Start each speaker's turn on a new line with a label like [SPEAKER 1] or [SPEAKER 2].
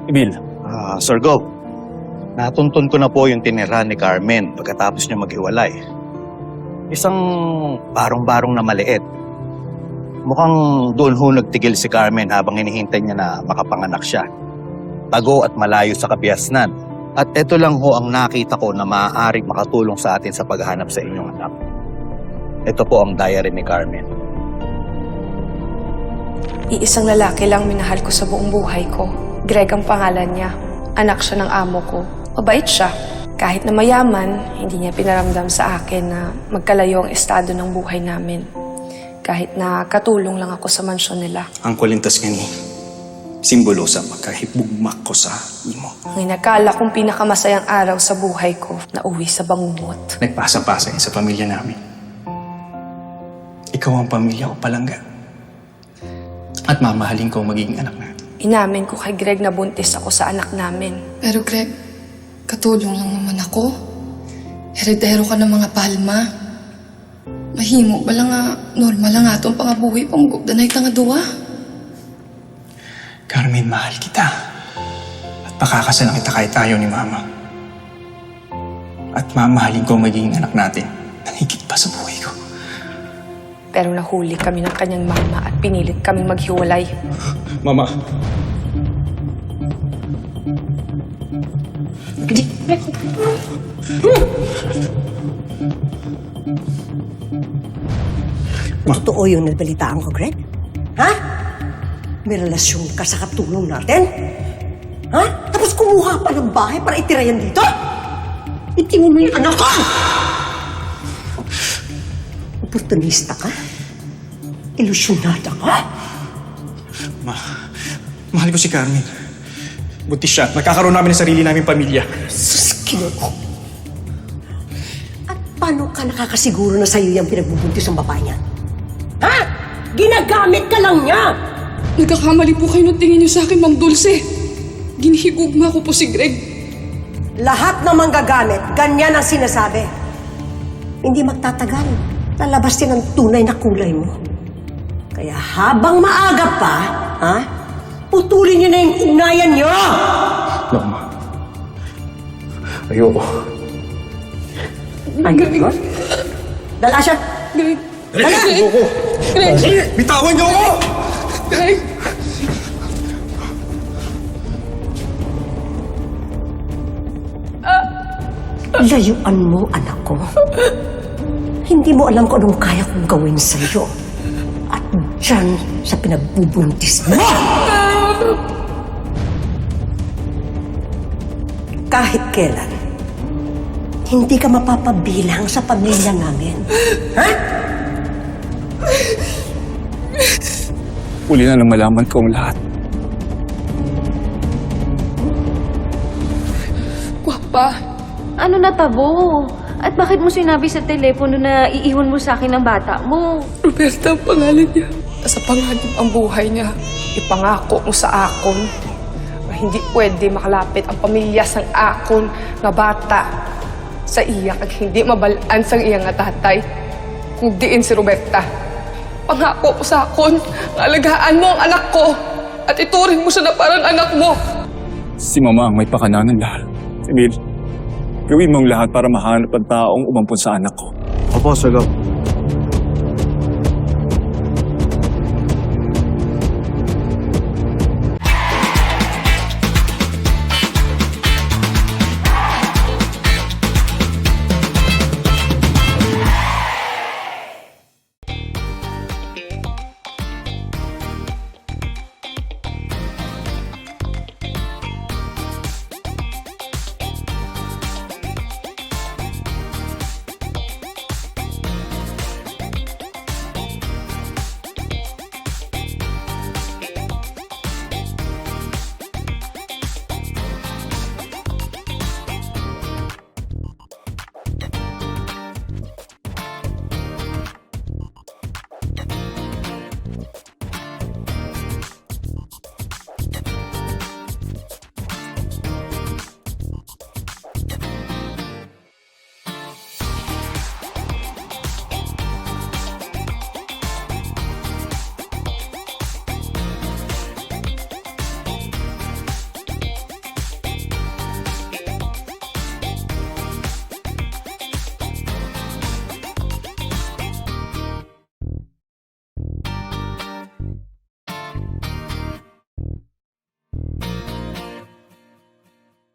[SPEAKER 1] Emil.
[SPEAKER 2] Sir Gov, natuntun ko na po yung tinirahan ni Carmen pagkatapos niya mag-iwalay. Isang barong-barong na maliit. Mukhang doon ho nagtigil si Carmen habang hinihintay niya na makapanganak siya. Tago at malayo sa kabiasnan. At ito lang ho ang nakita ko na maaaring makatulong sa atin sa paghahanap sa inyong anak. Ito po ang diary ni Carmen.
[SPEAKER 3] Iisang lalaki lang minahal ko sa buong buhay ko. Greg ang pangalan niya. Anak siya ng amo ko. Mabait siya. Kahit na mayaman, hindi niya pinaramdam sa akin na magkalayo ang estado ng buhay namin. Kahit na katulong lang ako sa mansyon nila.
[SPEAKER 4] Ang kulintas nga ni simbolo sa pagkahibugmak ko sa imo.
[SPEAKER 3] Ang inakala kong pinakamasayang araw sa buhay ko na uwi sa bangungot.
[SPEAKER 4] Nagpasa-pasa sa pamilya namin. Ikaw ang pamilya ko palangga. At mamahalin ko ang magiging anak natin.
[SPEAKER 3] Inamin ko kay Greg na buntis ako sa anak namin.
[SPEAKER 5] Pero Greg, katulong lang naman ako. Heredero ka ng mga palma. Mahimo ba lang nga, normal lang nga itong pangabuhi pang gugdanay ka nga duwa.
[SPEAKER 4] Carmen, mahal kita. At pakakasalan kita kahit tayo ni Mama. At mamahalin ko ang magiging anak natin nang higit pa sa buhay ko.
[SPEAKER 3] Pero nahuli kami ng kanyang mama at pinilit kaming maghiwalay.
[SPEAKER 4] Mama.
[SPEAKER 6] Totoo yung nabalitaan ko, Greg? Ha? May relasyon ka sa katulong natin? Ha? Tapos kumuha pa ng bahay para itira yan dito? Itingin mo yung anak ko! Oportunista ka? Ilusyonada ka?
[SPEAKER 4] Mahal ko si Carmen. Buntis siya at magkakaroon namin ng sarili naming pamilya.
[SPEAKER 6] Sus, Ginoo. At paano ka nakakasiguro na sa'yo yung pinagbubuntis ng babae niya? Ha? Ginagamit ka lang niya!
[SPEAKER 5] Nagkakamali po kayo ng tingin niyo sa akin, Mang Dulce. Ginihigugma ko po si Greg.
[SPEAKER 6] Lahat ng manggagamit, ganyan ang sinasabi. Hindi magtatagal. Lalabas din ang tunay na kulay mo. Kaya habang maaga pa, ha? Putulin niyo na yung ugnayan niyo!
[SPEAKER 4] No, Ma. Ayoko.
[SPEAKER 6] Ayoko? Dala siya!
[SPEAKER 5] Greg.
[SPEAKER 6] Dala!
[SPEAKER 4] Ayoko.
[SPEAKER 5] Greg.
[SPEAKER 4] Bitawan niyo ako!
[SPEAKER 5] Greg.
[SPEAKER 6] Layuan mo, anak ko. Hindi mo alam kung anong kaya kong gawin sa'yo. At dyan sa pinagbubuntis mo! Kahit kailan, hindi ka mapapabilang sa pamilya namin. Ha?
[SPEAKER 1] Uli na lang malaman ko ang lahat.
[SPEAKER 5] Guwapa.
[SPEAKER 7] Ano natabo? At bakit mo sinabi sa telepono na iiwan mo sa akin ang bata mo?
[SPEAKER 5] Roberta ang pangalan niya. Sa panganib ang buhay niya.
[SPEAKER 3] Ipangako mo sa akon na hindi pwede makalapit ang pamilya sang akon nga bata sa iya kag hindi mabalaan sang iya nga tatay kung diin si Roberta. Pangako ko sa akon nga alagaan mo ang anak ko at ituring mo siya na parang anak mo.
[SPEAKER 1] Si Mama ang may pakananan lahat. Emil, gawin mo ang lahat para mahanap ang taong umampun sa anak ko.
[SPEAKER 2] Opo, Sir Gov.